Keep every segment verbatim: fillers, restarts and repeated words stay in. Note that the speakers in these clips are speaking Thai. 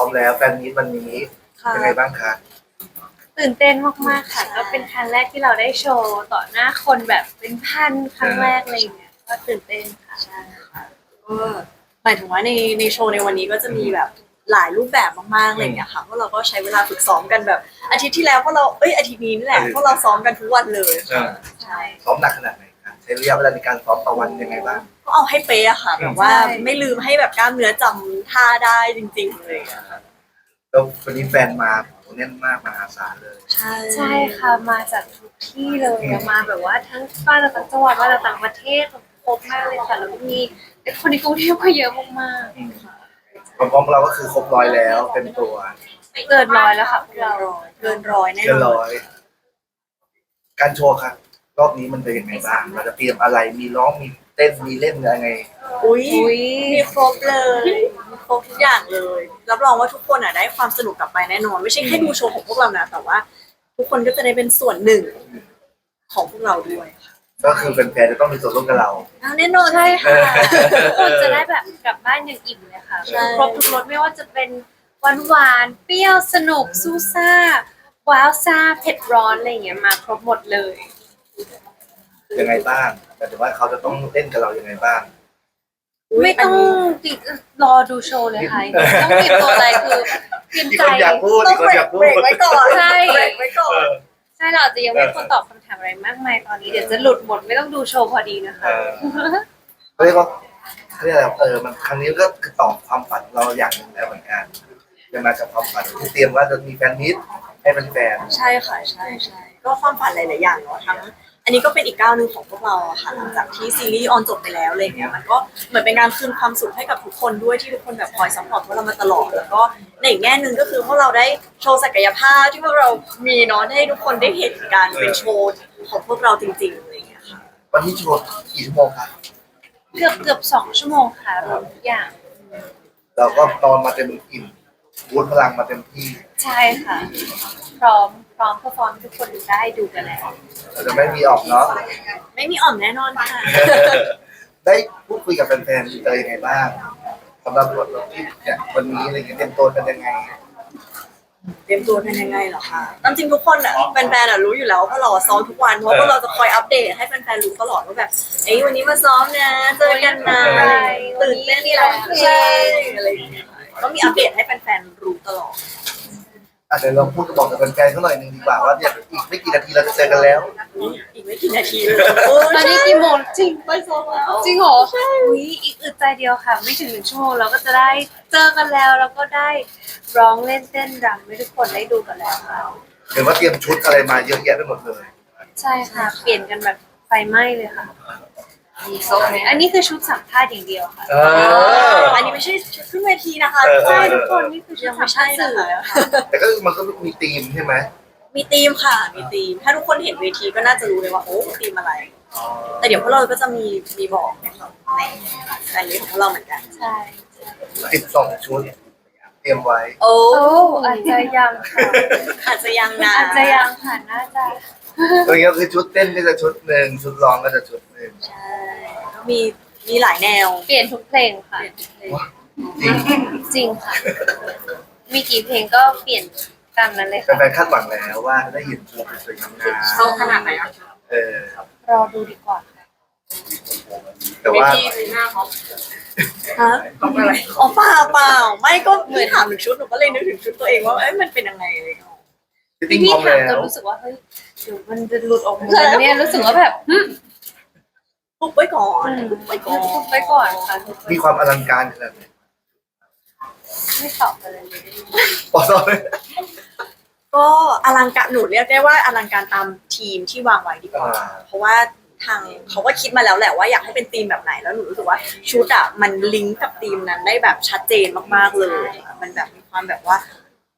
มแล้วแฟนมีตวันนี้เป็นไงบ้างคะตื่นเต้นมากๆค่ะก็เป็นครั้งแรกที่เราได้โชว์ต่อหน้าคนแบบเป็นพันครั้งแรกอะไรอย่างเงี้ยก็ตื่นเต้นค่ะใช่ค่ะก็หมายถึงว่าในในโชว์ในวันนี้ก็จะมีแบบหลายรูปแบบมากๆอะไรอย่างเงี้ยค่ะเพราะเราก็ใช้เวลาฝึกซ้อมกันแบบอาทิตย์ที่แล้วพวกเราเอ้ยอาทิตย์นี้นี่แหละพวกเราซ้อมกันทุกวันเลยใช่ซ้อมหนักขนาดไหนคะใช้ระยะเวลาในการซ้อมต่อวันยังไงบ้างก็เอาให้เป๊ะอะค่ะแบบว่าไม่ลืมให้แบบกล้ามเนื้อจำท่าได้จริงๆเลยอะค่ะแล้ววันนี้แฟนมาแน่นมากมหาศาลเลยใช่ใช่ค่ะมาจากทุกที่เลยมาแบบว่าทั้งบ้านเราต่างจังหวัดมาจากต่างประเทศครบมากเลยค่ะแล้วมีคนในกรุงเทพก็เยอะมากๆความพร้อมของเราก็คือครบร้อยแล้วเต็มตัวเกินร้อยแล้วค่ะพวกเราเกินร้อยแน่นอนเกินร้อยการโชว์ครับรอบนี้มันเป็นยังไงบ้างเราจะเตรียมอะไรมีร้องมีเต้นมีเล่นยังไงอุ้ยมีครบเลยมีครบทุกอย่างเลยรับรองว่าทุกคนอ่ะได้ความสนุกกลับไปแน่นอนไม่ใช่แค่ดูโชว์ของพวกเรานะแต่ว่าทุกคนก็จะได้เป็นส่วนหนึ่งของพวกเราด้วยก็คือแฟนๆจะต้องมีส่วนร่วมกับเราแน่นอนใช่ค่ะทุกคนจะได้แบบกลับบ้านอย่างอิ่มเลยค่ะครบทุกรสไม่ว่าจะเป็นหวานหวานเปรี้ยวสนุกซูซ่าว้าวซ่าเผ็ดร้อนอะไรอย่างเงี้ยมาครบหมดเลยยังไงบ้างแต่ถือว่าเขาจะต้องเล่นกับเรายังไงบ้างไม่ต้องติดรอดูโชว์เลยค่ะต้องเตรียมตัวอะไรคือเตรียมใจอยากพูดต้องเบรกไว้ก่อนใช่เบรกไว้ก่อนใช่เราอาจจะยังไม่ควรตอบคำถามอะไรมากมายตอนนี้เดี๋ยวจะหลุดหมดไม่ต้องดูโชว์พอดีนะคะเรียกว่าเรียกอะไรเออมันครั้งนี้ก็คือตอบความฝันเราอย่างหนึ่งแล้วเหมือนกันจะมาจากความฝันที่เตรียมว่าจะมีแฟนมิตรให้แฟนใช่ค่ะใช่ใช่ก็ความฝันหลายๆอย่างเนาะทั้งอันนี้ก็เป็นอีกก้าวหนึ่งของพวกเราค่ะหลังจากที่ซีรีส์ออนจบไปแล้วอะไรเงี้ยมันก็เหมือนเป็นการคืนความสุขให้กับทุกคนด้วยที่ทุกคนแบบคอยซัพพอร์ตพวกเรามาตลอดแล้วก็ในอีกแง่หนึ่งก็คือพวกเราได้โชว์ศักยภาพที่พวกเรามีเนาะให้ทุกคนได้เห็นการเป็นโชว์ของพวกเราจริงๆอะไรเงี้ยค่ะวันที่โชว์กี่ชั่วโมงครับเกือบเกือบสองชั่วโมงค่ะรวมทุกอย่างเราก็ตอนมาเต็มอิ่มบูทพลังมาเต็มที่ใช่ค่ะพร้อมพร้อมเพอร์ฟอร์มทุกคนได้ดูกันแล้วเราจะไม่มีออกเนาะไม่มีอ่อมแน่นอนค่ะได้พูดคุยกับแฟนๆเจอยังไงบ้างสำหรับบทที่เนี่ยวันนี้อะไรเงี้ยเตรียมตัวกันยังไงเตรียมตัวกันยังไงเหรอคะตามจริงทุกคนอ่ะแฟนๆอ่ะรู้อยู่แล้วเพราะเราซ้อมทุกวันเพราะว่าเราจะคอยอัปเดตให้แฟนๆรู้ตลอดว่าแบบเอ้ยวันนี้มาซ้อมนะเจอกันนะตื่นเต้นแล้วใช่อะไรอย่างเงี้ยก็มีอัปเดตให้แฟนๆรู้ตลอดอาจจะเราพูดกับบอกกับแฟนๆเขาหน่อยหนึ่งดีกว่าว่าเนี่ยอีกไม่กี่นาทีเราจะเจอกันแล้วอีกไม่กี่นาทีเลยตอนนี้กี่โมงจริงไปซ้อมแล้วจริงเหรอใช่อุ้ยอีกอึดใจเดียวค่ะไม่ถึงหนึ่งชั่วโมงเราก็จะได้เจอกันแล้วแล้วก็ได้ร้องเล่นเต้นรำให้ทุกคนได้ดูกันแล้วค่ะเห็นว่าเตรียมชุดอะไรมาเยอะแยะไปหมดเลยใช่ค่ะเปลี่ยนกันแบบไฟไหม้เลยค่ะอันนี้คือชุดสัมภาษณ์อย่างเดียวค่ะอันนี้ไม่ใช่ชุดขึ้นเวทีนะคะใช่ทุกคนนี่คือชุดสัมภาษณ์สื่อค่ะแต่ก็มันก็มีธีมใช่ไหมมีธีมค่ะมีธีมถ้าทุกคนเห็นเวทีก็น่าจะรู้เลยว่าโอ้ธีมอะไรแต่เดี๋ยวพวกเราก็จะมีมีบอกนะครับในในลิสต์ของเราเหมือนกันใช่สิบสองชุดเตรียมไว้โอ้อาจจะยังค่ะอาจจะยังนะอาจจะยังค่ะน่าจะตัวนี้ก็คือชุดเต้นก็จะชุดหนึ่งชุดร้องก็จะชุดหนึ่งใช่ก็มีมีหลายแนวเปลี่ยนทุกเพลงค่ะจริงจริงค่ะมีกี่เพลงก็เปลี่ยนตามนั้นเลยค่ะแฟนๆคาดหวังแล้วว่าได้เห็นชุดสวยงามโชว์ขนาดไหนอ่ะเออรอดูดีกว่าค่ะแต่ว่าหน้าเขาฮะอะไรอ๋อเปล่าเปล่าไม่ก็เหมือนถามถึงชุดหนูก็เลยนึกถึงชุดตัวเองว่าเอ้ยมันเป็นยังไงเลยพี่พี่ถามจนรู้สึกว่าเฮ้ยเดี๋ยวมันจะหลุดออกมาเนี่ยรู้สึกว่าแบบทุบไว้ก่อนทุบไว้ก่อนทุบไว้ก่อนค่ะมีความอลังการขนาดไหนไม่ตอบอะไรเลยปอดเลยก็อลังการหนูเรียกได้ว่าอลังการตามทีมที่วางไว้ดีกว่าเพราะว่าทางเขาก็คิดมาแล้วแหละว่าอยากให้เป็นธีมแบบไหนแล้วหนูรู้สึกว่าชุดอ่ะมันลิงก์กับธีมนั้นได้แบบชัดเจนมากๆเลยมันแบบมีความแบบว่า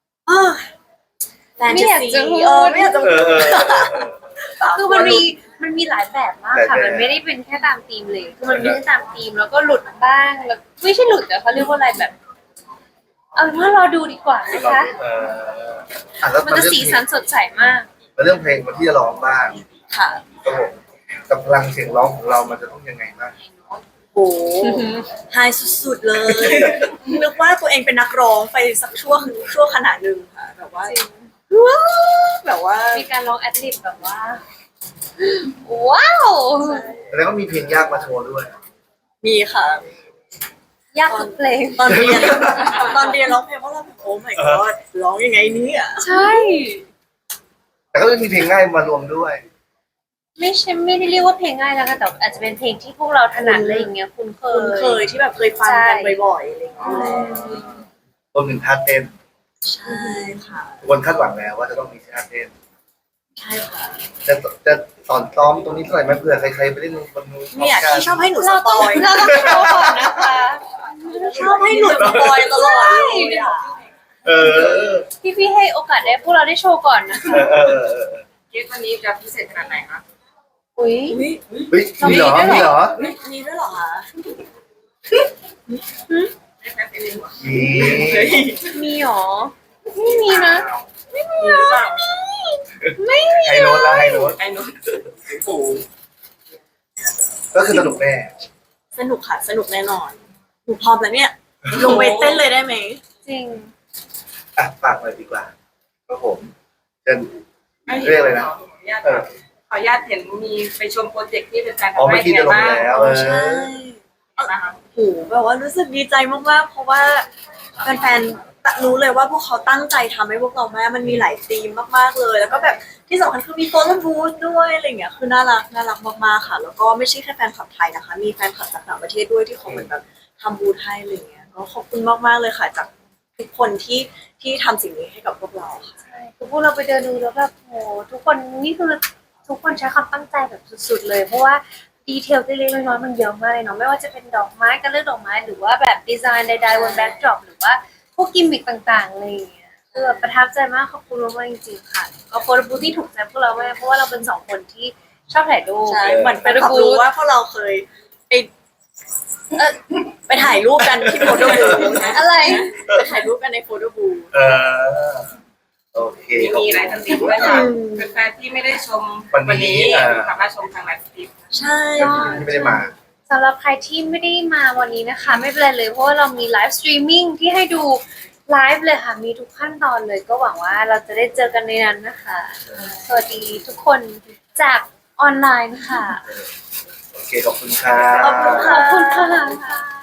ไม่อยากจะพูดไม่อยากจะคือมันมีมันมีหลายแบบมากค่ะมันไม่ได้เป็นแค่ตามธีมเลยคือมันมีทั้งตามธีมแล้วก็หลุดบ้างแล้วไม่ใช่หลุดแต่เขาเรียกว่าอะไรแบบเอาเป็นว่ารอดูดีกว่านะคะมันจะสีสันสดใสมากเรื่องเพลงที่จะร้องบ้างค่ะครับผมกับพลังเสียงร้องของเรามันจะต้องยังไงบ้างโอ้ไฮสุดๆเลยนึกว่าตัวเองเป็นนักร้องไปสักช่วงช่วงขนาดหนึ่งค่ะแบบว่าจริงว้าวแบบว่ามีการร้องแอดลิบแบบว่า ว้าวแล้วก็มีเพลงยากมาโชว์ด้วยมีค่ะยากทุกเพลงตอนเรียนตอนเรียนร้องเพลงเพราะเราแบบโอ้ my god ร้องยังไงเนี่ยใช่แต่ก็มีเพลงง่ายมารวมด้วยไม่ใช่ไม่ได้เรียกว่าเพลงง่ายแล้วค่ะแต่อาจจะเป็นเพลงที่พวกเราถนัดอะไรอย่างเงี้ยคุ้นเคคุ้นยเคยที่แบบเคยฟังกันบ่อยๆอะไรอย่างเงี้ยรวมถึงท่าเต้นใช่ค่ะทุกคนคาดหวังแล้วว่าจะต้องมีท่าเต้นใช่ค่ะจะจะสอนซ้อมตรงนี้เท่าไหร่ไหมเผื่อใครๆไปเล่นบนนู้นเนี่ยที่ชอบให้หนูสเราปต้องอยเราต้องโชว์ก่อนนะคะชอบให้หนูสปอยตลอดเลยอะเออพี่พี่ๆให้โอกาสได้พวกเราได้โชว์ก่อนนะคะเออเออเออเออเกมวันนี้จะพิเศษขนาดไหนคะอุ้ยอุ๊ยเฮ้ยมีเหรอมีเหรอมีด้วยเหรอคะไม่แพ้เป็นหัวมีมีหรอไม่มีนะมีหรือเปล่าไม่มีไฮโน้ตละไฮโน้ตไอ้หนุ่มปู่ก็คือสนุกแน่สนุกค่ะสนุกแน่นอนหนูพร้อมแล้วเนี่ยลงไปเต้นเลยได้ไหมจริงอ่ะฝากหน่อยดีกว่าครับผมเชิญไม่เห็นเรียกอะไรนะขออนุญาตเออขออนุญาตเห็นมีไปชมโปรเจกต์ที่เป็นการอ๋อทำเมื่ให้อกี้ไงจะลงบ้างแล้วเออใช่นะคะโหแบบว่ารู้สึกดีใจมากๆ เพราะว่าแฟนๆรู้เลยว่าพวกเขาตั้งใจทำให้พวกเรามากมันมีหลายธีมมากๆเลย แล้วก็แบบที่สำคัญคือมีโฟโต้บูธด้วยอะไรเงี้ยคือน่ารักน่ารักมากๆค่ะ แล้วก็ไม่ใช่แค่แฟนคลับไทยนะคะ มีแฟนคลับจากต่างประเทศด้วยที่เขาเหมือนแบบทำบูธให้อะไรเงี้ยก็ขอบคุณมากๆเลยค่ะ จากทุกคนที่ที่ทำสิ่งนี้ให้กับพวกเราค่ะใช่คือพวกเราไปเดินดูแล้วแบบโหทุกคนนี่คือทุกคนใช้ความตั้งใจแบบสุดๆเลย เพราะว่าดีเทลเล็กๆน้อยๆมันเยอะมากเลยเนาะไม่ว่าจะเป็นดอกไม้การเลือกดอกไม้หรือว่าแบบดีไซน์ใดๆบนแบ็คดรอปหรือว่าพวกกิมมิคต่างๆอะไรอย่างเงี้ยคือแบบประทับใจมากขอบคุณมากๆจริงๆค่ะก็โฟโต้บูธที่ถูกใจพวกเรามากเพราะว่าเราเป็นสองคนที่ชอบถ่ายรูปใช่เหมือนแฟนคลับรู้ว่าพวกเราเคยไปเออไปถ่ายรูปกันที่โฟโต้บูธอะไรไปถ่ายรูปกันในโฟโต้บูธเออโอเคมีมีไลฟ์สตรีมด้วยค่ะแฟนๆที่ไม่ได้ชมวันนี้อ่าสามารถชมทางไลฟ์สตรีมใช่ที่ไม่ได้มาสำหรับใครที่ไม่ได้มาวันนี้นะคะ ไม่เป็นไรเลยเพราะว่าเรามีไลฟ์สตรีมมิ่งที่ให้ดูไลฟ์เลยค่ะ มีทุกขั้นตอนเลยก็หวังว่าเราจะได้เจอกันในนั้นนะคะ สวัสดีทุกคนจากออนไลน์ค่ะโอเคขอบคุณครับขอบคุณขอบคุณค่ะ